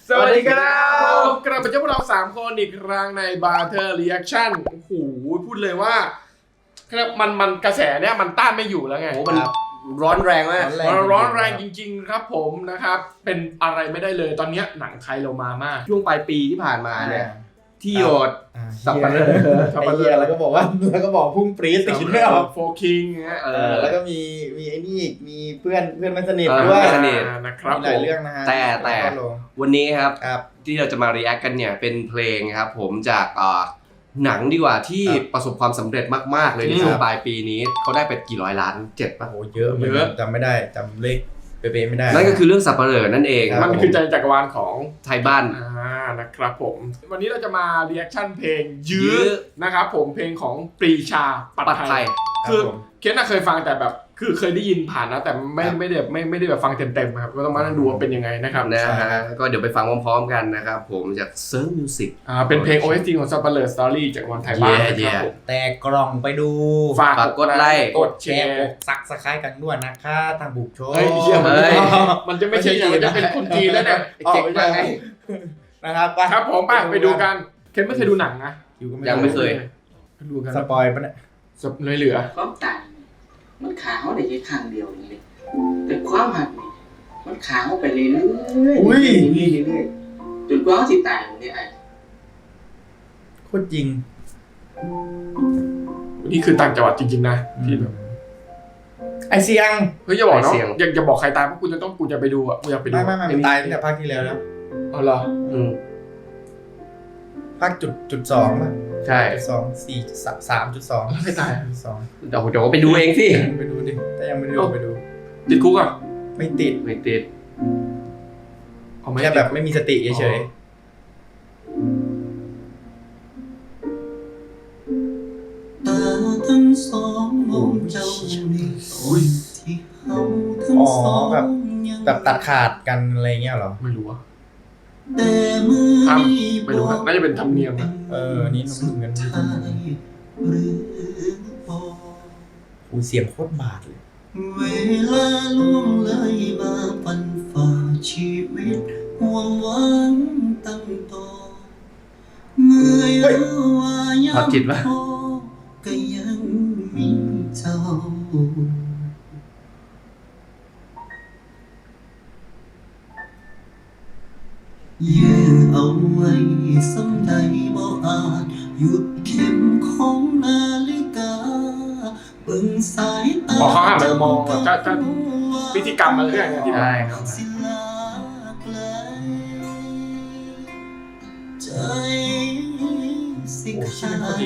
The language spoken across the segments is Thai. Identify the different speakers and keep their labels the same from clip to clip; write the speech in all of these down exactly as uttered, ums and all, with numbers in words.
Speaker 1: สวัสดีครับกลับมาเจอพวกเราสามคนอีกครั้งใน Barter Reaction โอ้โหพูดเลยว่ามันมันกระแสเนี่ยมันต้านไม่อยู่แล้วไง
Speaker 2: โอ้มันร้อนแรงมาก
Speaker 1: มันร้อนแรงจริงๆครับผมนะครับเป็นอะไรไม่ได้เลยตอนนี้หนังไทยเรามามาก
Speaker 2: ช่วงปลายปีที่ผ่านมาเนี่ยที่โยด
Speaker 3: สับปะเลอสับปะเลอแล้วก็บอกว่าแล้วก็บอกพุ่งปรี๊ดแต่คิดไม่ออก
Speaker 1: โฟคิงเงี้ย
Speaker 3: แล้วก็มีมีไอ้นี่อีกมีเพื่อนเพื่อนไม่สนิทด้วย
Speaker 2: สนิท
Speaker 1: นะครับ
Speaker 3: หลายเรื่องนะฮะ
Speaker 2: แต่แต่วันนี้ครับที่เราจะมา react กันเนี่ยเป็นเพลงครับผมจากหนังดีกว่าที่ประสบความสำเร็จมากๆเลยในช่วงปลายปีนี้เขาได้ไปกี่ร้อยล้านเจ็ดป่ะ
Speaker 3: โอ้เยอะเยอะจำไม่ได้จำเลขเป๊ะๆไม่ได้
Speaker 2: นั่นก็คือเรื่องสับปะเลอนั่นเอง
Speaker 1: มันคือใจจักรวาลของ
Speaker 2: ไทยบ้าน
Speaker 1: อ่านะครับผมวันนี้เราจะมา reaction เพลงยื้อนะครับผมเพลงของปรีชาปัตไทยคือเคนน่ะเคยฟังแต่แบบคือเคยได้ยินผ่านนะแต่ไม่ไม่ได้ไม่ไม่ได้แบบฟังเต็มๆครับก็ต้องมาดูว่าเป็นยังไงนะครับ
Speaker 2: นะฮะก็เดี๋ยวไปฟังพร้อมๆกันนะครับผมจากเซิร์ฟมิวสิก
Speaker 1: อ่าเป็นเพลง โอ เอส ที ของสับปะเลอสตอรี่จากวันไทยบ้านนะครับผม
Speaker 3: แต่กล่องไปดู
Speaker 2: ฝากกดไลค์
Speaker 3: กดแชร์กดซักสไครต์กันด้วยนะคะทางบุกโชว์
Speaker 1: เฮ้ยเชี่ยมันจะไม่ใช่อย่างมันจะเป็นคนจีนแล้วเนี่ย
Speaker 3: เจ๋งมากนะครับ
Speaker 1: ครับผมไปไปดูกันเคนไม่เคยดูหนังนะ
Speaker 2: ยังไม่เคย
Speaker 1: ดูกัน
Speaker 3: สปอยล์ปะเนี่ย
Speaker 1: สปอยล์เหลือ
Speaker 4: ความตายมันขาวได้แค่ครั้งเดียวนี่แต่ความหักนี่มันขาวไปเรื่อยๆเรื่อยๆเรื่อยๆจนกว่าสิตายนี่ไอ้
Speaker 3: โคตรจริง
Speaker 1: นี่คือต่างจังหวัดจริงๆนะที่แบบ
Speaker 3: ไอเสียง
Speaker 1: เฮ้ยอย่าบอกเนาะอย่าอย่าบอกใครตายเพราะกูจะต้องกูจะไปดูอ่ะกูอยากไปดู
Speaker 3: ไม่ไม่ไม่ตายตั้งแต่ภาคที่แล้วแล้ว
Speaker 1: อ๋อเหรอ
Speaker 2: อืม
Speaker 3: ภาคจุดจุดสองป่ะ
Speaker 2: ใช่
Speaker 3: สองสี่สามจุดสอง
Speaker 1: ไม่ตาย
Speaker 3: สอง
Speaker 2: เดี๋ยวเดี๋ยวไปดูเองสิ
Speaker 3: ไปดูดิถ้ายังไม่ดูไปดู
Speaker 1: ติดคุกอ่ะ
Speaker 3: ไม่ติด
Speaker 2: ไม่ติด
Speaker 3: แค่แบบไม่มีสติเฉย
Speaker 4: ตาทั้งสองมองเจ้านี่ที่เฮาทั้งสอง
Speaker 3: แบบแบบตัดขาดกันอะไรเงี้ยหรอ
Speaker 1: ไม่รู้อะ
Speaker 4: แต่มือนี้
Speaker 1: ไม่รู้น่าจะเป็นธรรมเนียมนะ
Speaker 3: เออนี่น้องเงินโอ้เสียงโคตรบาดเลย
Speaker 4: เวลาล่วงเลยมาปันฝ่าชีวิตห่วงหวังตั้งต่อเมื่อว่ายังพอก็ยังมีเจ้ายื้อเอาไว้สำใดบ่อาจหยุดเข็มของนาฬิกาเบิ่งสายตา
Speaker 1: พอเขาหันไปมองจะจะพิธีกรรมอะไรอย่างเงี้ยที่ได้ครับ
Speaker 4: ใจสิขาด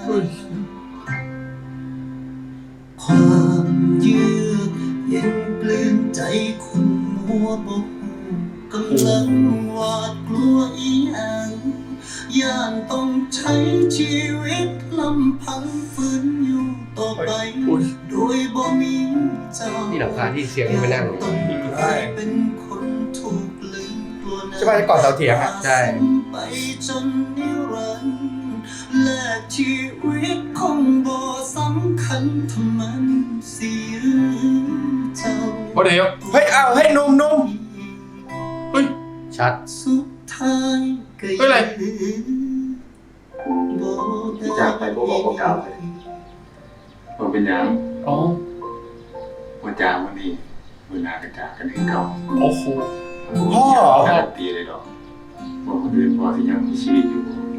Speaker 4: ความยื้อเย็นเปลี่ยนใจคนมัวบ่กำลังหวาดกลัวอีหยังย่านต้องใช้ชีวิตลำพังฝืนอยู่ต่อไปโดยบ่มีเจ้า
Speaker 2: ที่หลังคาที่เสียงไปนั่ง
Speaker 4: เป็นคนถูกลืมกลัว
Speaker 3: ใช่ป่ะก่อนเสาเถียงอ่ะ
Speaker 2: ใช่
Speaker 4: ไปจนนิรันดร์และชีวิตคงบ่สำคัญทำมันเสียเจ้า
Speaker 1: โอ้เดี๋ยว
Speaker 3: เฮ้ยเอาให้นุ่มนุ่ม
Speaker 1: เฮ้ย
Speaker 2: ชัด
Speaker 4: สุดท้ายก็
Speaker 1: เฮ้ยอะไร
Speaker 5: จากไปบอกบอกกล่าวเลยมันเป็นยัง
Speaker 1: อ๋อ
Speaker 5: วันจางวันนี้วันหน้ากันจากกันให้เก่า
Speaker 1: โอ้โห
Speaker 3: พ่อ
Speaker 5: การันตีเลยดอกบอกคนอื่นว่าที่ยังมีชีวิตอยู่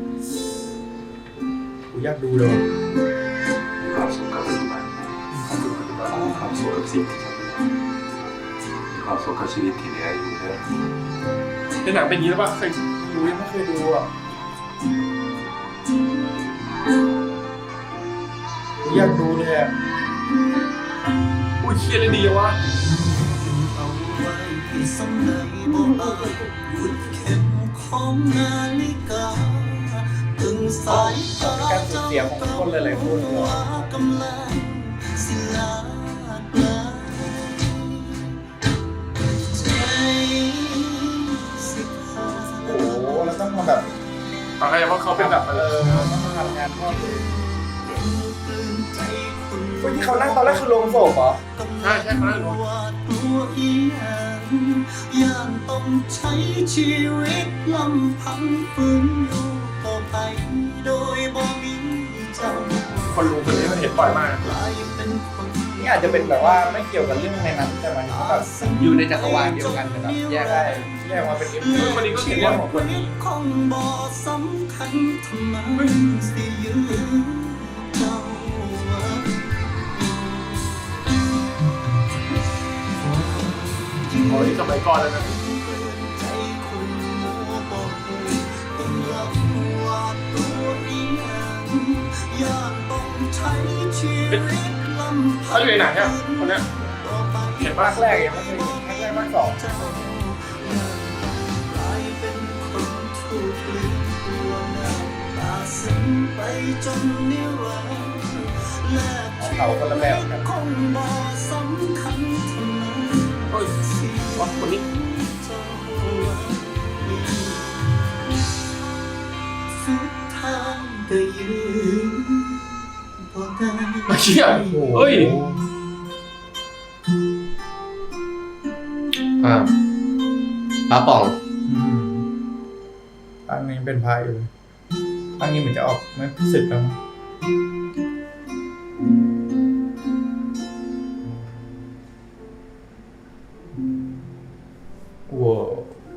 Speaker 3: กูอยากดูเลย
Speaker 5: มีความสุขกับปัจจุบันความสุขกับปัจจุบันมีความสุขกับสิ่งที่ทำมีความสุขกับชีวิตที่เหลืออยู่เลย
Speaker 1: ในหนังเป็นอย่างนี้แล้วป่ะเคยดูยังไม่เคยดูอ่ะ
Speaker 3: อยากดูเลยอ่ะ
Speaker 1: อุ้ยเชี่ยเลยดีวะ
Speaker 3: การสูญเสียของคนหลายๆคนเลยโอ้โหแล้วต้องมาแบบ
Speaker 1: อะไรเพราะเขาเป็นแบบ
Speaker 3: เออต้องมาทำงานพ่อเลยคนที่เขานั่งตอนแรกคือโรงศพเหรอ
Speaker 1: ใช่ใช่เขานั่งโรง
Speaker 4: ย่านต้องใช้ชีวิตลำพังฝืนอยู่ต่อไปโดยบ่มีเจ้า
Speaker 1: คนรู้คนนี้มันเห็นบ่อยมาก
Speaker 4: กลายเป็นคน
Speaker 3: นี่อาจจะเป็นแบบว่าไม่เกี่ยวกับเรื่องในนั้นแต่มันก็แบบ
Speaker 2: อยู่ในจักรวาลเดียวกันนะครับแยก
Speaker 3: ได้
Speaker 2: ได้
Speaker 3: แยกมาเป็นเอ็ม
Speaker 1: คือคนนี้ก็เขียนเรื่องของคนนี้
Speaker 4: คงบ่สำคัญทำไมสิยืนเจ้าว่า
Speaker 1: โอ้ยสมัยก่อนแล้วนะ
Speaker 4: ใจคนมัวบ่ฮู้ต้องรับว่าตัวเองย่านต้องใช้ชีวิตลำพั
Speaker 1: เขาอยู่ในหนังเนี่ยคนเนี้ย
Speaker 4: ต่อไป
Speaker 1: เห็น
Speaker 3: ภา
Speaker 1: ปะ
Speaker 3: คแรกยังไม่เคยภาคแรกภาคสอง
Speaker 4: เจ้ากลายเป็นคนถูกลืมตัวงามตาซึ้งไปจนนิรันดร์และ
Speaker 3: เขาคนละแบบกัน
Speaker 4: คงบ่สำคัญเท่านั้น
Speaker 1: เฮ้ยว่าคนนี้
Speaker 4: เจ้าว่าสุดท้ายก็ยืนบ่ได้
Speaker 1: มาเชี่ยเฮ้ย
Speaker 2: อ่าปลาป่อง
Speaker 3: ภาคนี้เป็นพายอยู่ภาคนี้เหมือนจะออกไม่สึกแล้วมั้งว้าว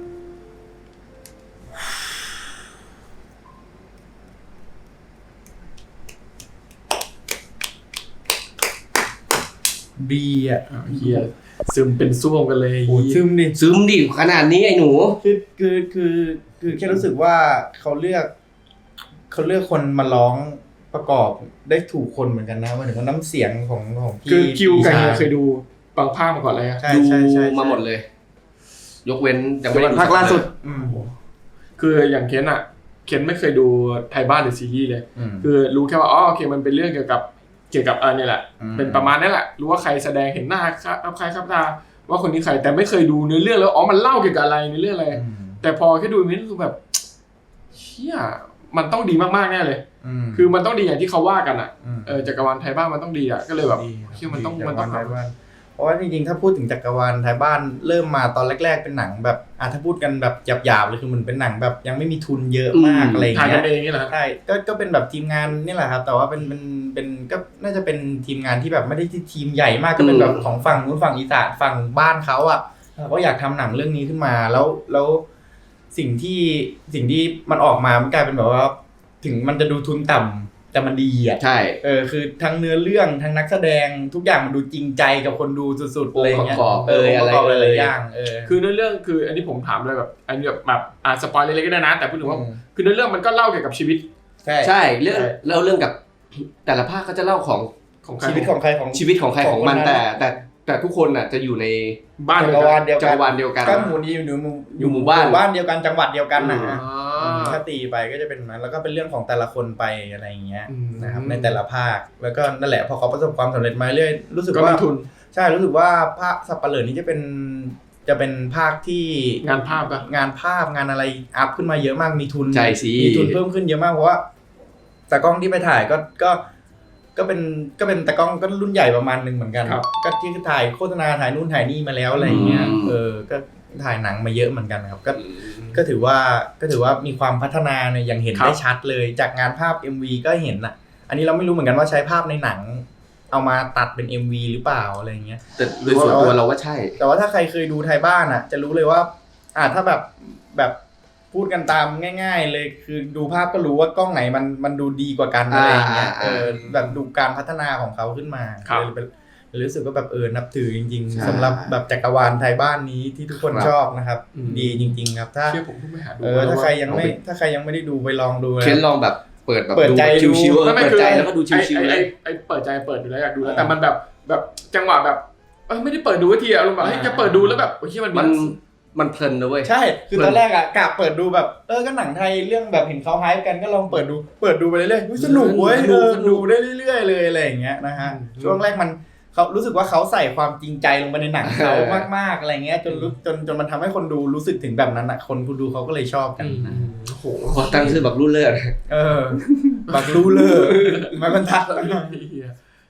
Speaker 3: ดีอ่ะ
Speaker 1: อ่ะเฮียซึมเป็นซ่วมกันเลย
Speaker 3: โอ้ซึมดิ
Speaker 2: ซึมดิขนาดนี้ไอ้หนู
Speaker 3: คือคือคือคือแค่รู้สึกว่าเขาเลือกเขาเลือกคนมาร้องประกอบได้ถูกคนเหมือนกันนะหมายถึงว่าน้ำเสียงของของพี่
Speaker 1: คือคิวกับเฮีย
Speaker 3: ชา
Speaker 1: เคยดูบางภาคมาก่อนเลยอะ
Speaker 3: ใช่ใช่ใช่
Speaker 2: ดูมาหมดเลย ยกเว้นยังไม่ได้
Speaker 1: ภาคล่าสุด
Speaker 3: อืม
Speaker 1: คืออย่างเคนอะเคนไม่เคยดูไทยบ้านหรือซีรีส์เลย
Speaker 3: อืม
Speaker 1: คือรู้แค่ว่าอ๋อโอเคมันเป็นเรื่องเกี่ยวกับเกี่ยวกับอันนี้แหละ
Speaker 3: อืม
Speaker 1: เป็นประมาณนี้แหละรู้ว่าใครแสดงเห็นหน้าครับใครครับตาว่าคนนี้ใครแต่ไม่เคยดูเนื้อเรื่องแล้วอ๋อมันเล่าเกี่ยวกับอะไรในเรื่องอะไร
Speaker 3: อืม
Speaker 1: แต่พอแค่ดูมันคือแบบเชี่ยมันต้องดีมากๆแน่เลย
Speaker 3: อืม
Speaker 1: คือมันต้องดีอย่างที่เขาว่ากันอ่ะ
Speaker 3: ม
Speaker 1: เออจักรวาลไทยบ้านมันต้องดีอ่ะก็เลยแบบ
Speaker 3: ดี
Speaker 1: เชี่ยมันต้อง
Speaker 3: ดี
Speaker 1: มันต้อง
Speaker 3: จักรวาลไทยบ้านเพราะว่าจริงๆถ้าพูดถึงจักรวาลไทยบ้านเริ่มมาตอนแรก ๆ เป็นหนังแบบอ่ะถ้าพูดกันแบบหยาบๆเลยคือมันเป็นหนังแบบยังไม่มีทุนเยอะมาก
Speaker 2: อืม
Speaker 3: อะไรอย่าง
Speaker 1: ถ่าย
Speaker 3: เงี้
Speaker 1: กัน
Speaker 3: ย
Speaker 1: เองนี่แหละ
Speaker 3: ใช่ก็ก็เป็นแบบทีมงานนี่แหละครับแต่ว่าเป็นเป็นเป็นก็น่าจะเป็นทีมงานที่แบบไม่ได้ที่ทีมใหญ่มากก็เป็นแบบของฝั่งนู้นฝั่งอีสานฝั่งบ้านเขาอ่ะเขาก็อยากทำหนังเรื่องนี้ขึ้นมาแล้วแล้วสิ่งที่สิ่งที่มันออกมามันกลายเป็นแบบว่า ถึงมันจะดูทุนต่ำแต่มันดีอ่ะ
Speaker 2: ใช่
Speaker 3: เออคือทั้งเนื้อเรื่องทั้งนักแสดงทุกอย่างมันดูจริงใจกับคนดูสุดๆอะไรอย่างเงี้ย
Speaker 2: องค์ประกอบ
Speaker 3: เออ
Speaker 2: เอ่ย
Speaker 3: องค์ประกอบ
Speaker 2: อะไร
Speaker 3: ห
Speaker 2: เอ่ย
Speaker 3: ลายๆอย่างเออ
Speaker 1: คือเนื้อเรื่องคืออันนี้ผมถามเลยแบบอันนี้แบบแบบอ่าสปอยเล็กๆก็ได้นะแต่พูดถึงว่า
Speaker 3: อืม
Speaker 1: คือเนื้อเรื่องมันก็เล่าเกี่ยวกับชีวิต
Speaker 3: ใช่
Speaker 2: ใช่เรื่อง
Speaker 3: ใช่
Speaker 2: เล่าเรื่องกับแต่ละภาคก็จะเล่าของ
Speaker 1: ของใคร
Speaker 3: ชีวิตของใครของ
Speaker 2: ชีวิตของใครของมัน
Speaker 3: ของคนนั้น
Speaker 2: แต่แต่แต่ทุกคนน่ะจะอยู่ใน
Speaker 1: บ้าน
Speaker 3: จั
Speaker 1: เดี
Speaker 3: ก
Speaker 1: ยว
Speaker 3: ร
Speaker 1: กั
Speaker 3: วาน ลเดียว
Speaker 2: จั
Speaker 3: กั
Speaker 2: ก
Speaker 3: น
Speaker 2: รวาลเดียวกัน
Speaker 3: ก็หมู่นี้อยู่ในหมู่
Speaker 2: อยู่หมู่บ้าน
Speaker 3: หมู่บ้านเดียวกันจังหวัดเดียวกันนะ
Speaker 1: อ่า
Speaker 3: ถ้าตีไปก็จะเป็นนั้นแล้วก็เป็นเรื่องของแต่ละคนไปอะไรอย่างเงี้ย
Speaker 1: อืม
Speaker 3: นะครับในแต่ละภาคแล้วก็นั่นแหละพอเขาประสบความสำเร็จมาเรื่อยรู้สึก
Speaker 1: ก็
Speaker 3: ว่า
Speaker 1: มีทุน
Speaker 3: ใช่รู้สึกว่าภาคสัปเหร่อนี้จะเป็นจะเป็นภาคที่
Speaker 1: งานภาพปะ
Speaker 3: งานภาพงานอะไรอัพขึ้นมาเยอะมากมีทุน
Speaker 2: ใช่สิ
Speaker 3: มีทุนเพิ่มขึ้นเยอะมากเพราะว่าแต่กล้องที่ไปถ่ายก็ก็ก็เป็นก็เป็นตากล้องก็รุ่นใหญ่ประมาณนึงเหมือนกัน
Speaker 1: ครับ
Speaker 3: ก็ที่ถ่ายโฆษณาถ่ายนู่นถ่ายนี่มาแล้วอะไรอย่างเงี้ย
Speaker 2: อืม
Speaker 3: เออก็ถ่ายหนังมาเยอะเหมือนกันครับก็ก็ถือว่าก็ถือว่ามีความพัฒนาเนี่ยอย่างเห็น
Speaker 1: ครับ
Speaker 3: ได้ชัดเลยจากงานภาพ เอ็ม วี ก็เห็นอ่ะ อันนี้เราไม่รู้เหมือนกันว่าใช้ภาพในหนัง เอามาตัดเป็น เอ็ม วี หรือเปล่าอะไรอย่างเงี้ย
Speaker 2: แต่โดยส่วนตัวเราว่าใช่
Speaker 3: แต่ว่าถ้าใครเคยดูไทยบ้านอ่ะ จะรู้เลยว่า อ่าถ้าแบบแบบพูดกันตามง่าย ๆ เลยคือดูภาพก็รู้ว่ากล้องไหนมันมันดูดีกว่ากันอะไรอย่างเงี้ย
Speaker 2: อ่า
Speaker 3: เออแบบดูการพัฒนาของเขาขึ้นมา
Speaker 1: ครับ
Speaker 3: เลยเป็นเลยรู้สึกว่าแบบเออนับถือจริง
Speaker 2: ใช่
Speaker 3: ๆสำหรับแบบจักรวาลไทยบ้านนี้ที่ทุกคน
Speaker 2: ครับ
Speaker 3: ชอบนะครับ
Speaker 1: อืม
Speaker 3: ดีจริง ๆ ครับ ถ้า
Speaker 1: เชื่อผมเพิ่งไปหาดู
Speaker 3: เออถ้าใครยังไม่
Speaker 2: เอาไป
Speaker 3: ถ้าใครยังไม่ได้ดูไปลองดูนะ
Speaker 2: เคนลองแบบเปิดแบบ
Speaker 3: เปิดใจดู
Speaker 2: ชิวๆเออ
Speaker 1: ไม่ไม่
Speaker 2: เปิด
Speaker 1: คือ
Speaker 2: ใจแล้วก็ดูชิวๆ
Speaker 1: ไอ้
Speaker 2: เล
Speaker 1: ไอ้
Speaker 2: ย
Speaker 1: ไอ้เปิดใจเปิดอยู่แล้วอยากดูแล้ว
Speaker 3: เออ
Speaker 1: แต่มันแบบแบบจังหวะแบบเออไม่ได้เปิดดูทีอะอารมณ์แบบเฮ้ย
Speaker 3: อ่า
Speaker 1: จะเปิดดูแล้วแบบโอ้ยมัน
Speaker 2: มันมันเพลินนะเว้ย
Speaker 3: ใช่คือตอนแรกอะกะเปิดดูแบบเออก็หนังไทยเรื่องแบบเห็นเขาไฮป์กันก็ลองเปิดดูเปิดดูไปเรื่อยๆอุ๊ยสนุกเว้ย
Speaker 2: ส
Speaker 3: เอ
Speaker 2: นุก
Speaker 3: อ
Speaker 2: สนุ
Speaker 3: ดู
Speaker 2: ก
Speaker 3: ได้เรื่อยๆเลยอะไรอย่างเงี้ยนะฮะช่วงแรกมันเขารู้สึกว่าเขาใส่ความจริงใจลงไปในหนังเขามากๆอะไรเงี้ยจนรู้จนจนมันทำให้คนดูรู้สึกถึงแบบนั้นอะคนดูเขาก็เลยชอบกัน
Speaker 1: อืมโอ้โห
Speaker 2: พอตั้งชื่อแบบรุ่นเลิศ
Speaker 3: เออบักรู้เลยมันบรรทัดแล้ว
Speaker 1: เหี้ย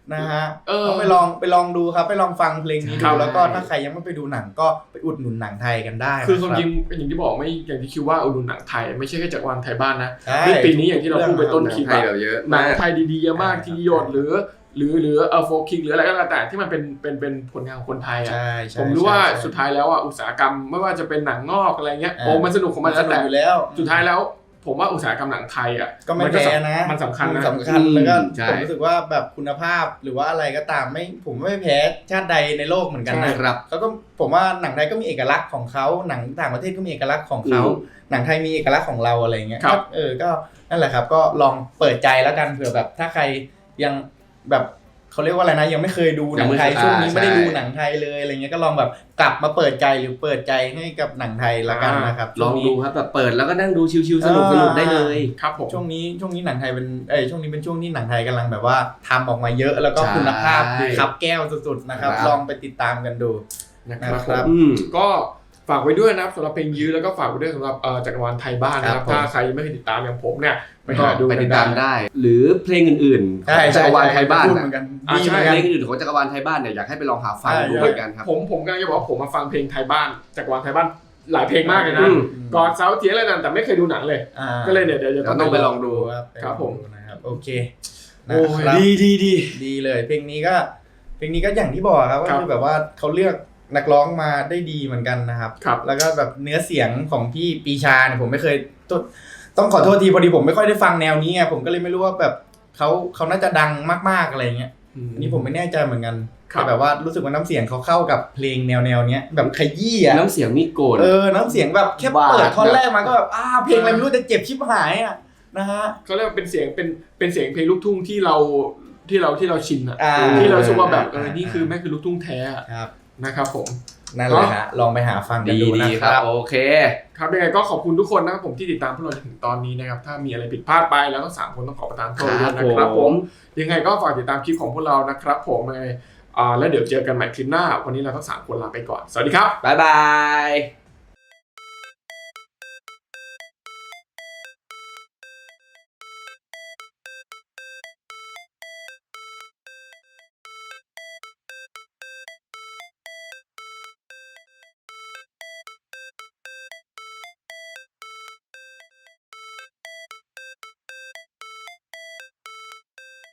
Speaker 3: นะฮะ
Speaker 1: เออ
Speaker 3: ต้องไปลองไปลองดูครับไปลองฟังเพลงนี้
Speaker 1: ครั
Speaker 3: ดู
Speaker 1: บ
Speaker 3: แล้วก็ถ้าใครยังไม่ไปดูหนังก็ไปอุดหนุนหนังไทยกันได้
Speaker 1: คือความ
Speaker 3: นะ
Speaker 1: จริงอย่างที่บอกไม่อย่างที่คิดว่าอุดหนุนหนังไทยไม่ใช่แค่จากวันไทยบ้านนะ
Speaker 3: ใช่
Speaker 1: ในปีนี้อย่างที่เราพูดไปต้น
Speaker 2: หนั
Speaker 1: คลิ
Speaker 2: ง
Speaker 1: ป
Speaker 2: ไทย
Speaker 1: อะ
Speaker 2: แบบเยอะ
Speaker 1: หนั
Speaker 2: มาง ก
Speaker 1: ไทยดีๆเยอะมาก
Speaker 3: อ่า
Speaker 1: ที่หยดหรือหรือหรือเออโฟคิงหรืออะไรก็แล้วแต่ที่มันเป็นเป็นเป็นผลงานของคนไทยอ่ะ
Speaker 3: ใช่ใช่
Speaker 1: ผมรู้ว่า
Speaker 3: ใช่
Speaker 1: สุดท้ายแล้วอ่ะอุตสาหกรรมไม่ว่าจะเป็นหนังงอกอะไรเงี้ย
Speaker 3: อ่า
Speaker 1: โอ้มันสนุกของมัน
Speaker 3: ส
Speaker 1: แล้ว
Speaker 3: นุก
Speaker 1: แต่
Speaker 3: อยู่แล้ว
Speaker 1: สุดท้ายแล้วผมว่าอุตสาหกรรมหนังไทยอ่ะ
Speaker 3: ก็ไม่
Speaker 1: น
Speaker 3: แพ้
Speaker 1: สำ
Speaker 3: นะ
Speaker 1: มันสำคัญนะ
Speaker 3: สำคัญแล้วก็
Speaker 2: ใช่
Speaker 3: ผมรู้สึกว่าแบบคุณภาพหรือว่าอะไรก็ตามไม่ผมไม่แพ้ชาติใดในโลกเหมือนกันนะครับ เขาก็ผมว่าหนังไทยก็มีเอกลักษณ์ของเขาหนังต่างประเทศก็มีเอกลักษณ์ของเขา
Speaker 2: อืม
Speaker 3: หนังไทยมีเอกลักษณ์ของเราอะไรเงี้ย
Speaker 1: ครับ
Speaker 3: ก็เออก็นั่นแหละครับก็ลองเปิดใจแล้วกันเผื่อแบบถ้าใครยังแบบเขาเรียกว่าอะไรนะยังไม่เคยดูหนังไทย
Speaker 2: ยังไม่
Speaker 3: ช่วงนี้
Speaker 2: อ่า
Speaker 3: ไม่ได้
Speaker 2: ใช่
Speaker 3: ดูหนังไทยเลยอะไรเงี้ยก็ลองแบบกลับมาเปิดใจหรือเปิดใจให้กับหนังไทยละกันนะครับ
Speaker 2: ลอง
Speaker 3: ช่วนี้
Speaker 2: ดูครับแบบเปิดแล้วก็นั่งดูชิวๆสนุกสนุกได้เลย
Speaker 1: ครับผม
Speaker 3: ช่วงนี้ช่วงนี้หนังไทยเป็นเอ้ยช่วงนี้เป็นช่วงที่หนังไทยกำลังแบบว่าทำออกมาเยอะแล้วก็
Speaker 2: ใช่
Speaker 3: คุณภาพขับแก้วสุดๆนะครับ
Speaker 2: ครับ
Speaker 3: ลองไปติดตามกันดู
Speaker 1: นะครับ
Speaker 3: นะครับ
Speaker 1: ผม
Speaker 2: อืม
Speaker 1: ก็ฝากไว้ด้วยนะครับสำหรับเพลงยื้อแล้วก็ฝากไว้ด้วยสำหรับเอ่อจักรวาลไทยบ้านนะครับ
Speaker 3: ครับผม
Speaker 1: ถ้าใครยังไม่เคยติดตามอย่างผมเนี่ยไป
Speaker 2: ก็
Speaker 1: หาดู
Speaker 2: ไป
Speaker 1: กัน
Speaker 2: ติดตามได้ หรือเพลงอื่นๆข
Speaker 3: ใช่
Speaker 2: องจั
Speaker 3: ใช่
Speaker 2: กรวาลไทยบ้าน
Speaker 3: พูด
Speaker 2: น่ะ
Speaker 3: เหมือนกัน
Speaker 1: อ่า
Speaker 3: ดี
Speaker 1: ใช่
Speaker 3: เหมือน
Speaker 2: เพ
Speaker 3: กัน
Speaker 2: ลงอื่นๆของจักรวาลไทยบ้านเนี่ยอยากให้ไปลองหาฟัง
Speaker 3: ใช่
Speaker 2: ดูเหมือนกันครับ
Speaker 1: ผมผมกำลังจะบอกว่าผมมาฟังเพลงไทยบ้านจักรวาลไทยบ้านหลายเพลงมากเลยนะ
Speaker 2: อืม
Speaker 1: ก่อนเสาเทียนอะไรนั่นแต่ไม่เคยดูหนังเลย
Speaker 3: อ่า
Speaker 1: ก็เลยเดี๋ยวเดี๋ยวจะ
Speaker 2: เราต้องไปลองดู
Speaker 3: ครับ
Speaker 1: ครับผม
Speaker 3: นะครับโอเคนะ
Speaker 1: โอ้ย
Speaker 3: ครับ
Speaker 1: ดีดีดี
Speaker 3: ดีเลยเพลงนี้ก็เพลงนี้ก็อย่างที่บอกครับก็
Speaker 1: ครับ
Speaker 3: คือแบบว่าเขาเลือกนักร้องมาได้ดีเหมือนกันนะครับ
Speaker 1: ครับ
Speaker 3: แล้วก็แบบเนื้อเสียงของพี่ปีชาเนี่ยผมไม่เคยต้องต้องขอโทษทีพอดีผมไม่ค่อยได้ฟังแนวนี้ไงผมก็เลยไม่รู้ว่าแบบเขาเขาน่าจะดังมากๆอะไรเงี้ย
Speaker 1: อืม
Speaker 3: อันนี้ผมไม่แน่ใจเหมือนกัน
Speaker 1: ครับ
Speaker 3: แต่แบบว่ารู้สึกว่าน้ำเสียงเขาเข้ากับเพลงแนวแนวๆเนี้ยแบบขยี้อะ
Speaker 2: น้ำเสียงมีโกน
Speaker 3: เออน้ำเสียงแบบแค่
Speaker 2: บาด
Speaker 3: เปิดท่อนแรกมาก็แบบอ้าเพลงอะไรไม่รู้แต่เจ็บชิบหายอ่ะนะฮะ
Speaker 1: เขาเรียกว่าเป็นเสียงเป็นเป็นเสียงเพลงลูกทุ่งที่เราที่เราที่เราชินอะ
Speaker 3: อ่า
Speaker 1: ที่เรารู้สึกว่าแบบเออ
Speaker 3: อ่า
Speaker 1: นี่คือแม่งคือลูกทุ่งแท้อะ
Speaker 3: ครับ
Speaker 1: นะครับผม
Speaker 3: นั่นแหละฮะลองไปหาฟังกัน
Speaker 2: ดี
Speaker 3: ดู
Speaker 2: ดี
Speaker 3: นะ
Speaker 2: ค
Speaker 3: ค
Speaker 2: รั
Speaker 3: รั
Speaker 2: บบ โอเค
Speaker 1: ครับยังไงก็ขอบคุณทุกคนนะครับผมที่ติดตามพวกเราจนถึงตอนนี้นะครับถ้ามีอะไรผิดพลาดไปแล้วทั้งสามคนต้องขอประทานโทษด้วยนะครับผมยังไงก็ฝากติดตามคลิปของพวกเรานะครับผมเลยอ่าแล้วเดี๋ยวเจอกันใหม่คลิปหน้าวันนี้เราทั้งสามคนลาไปก่อนสวัสดีครับ
Speaker 2: บ๊ายบาย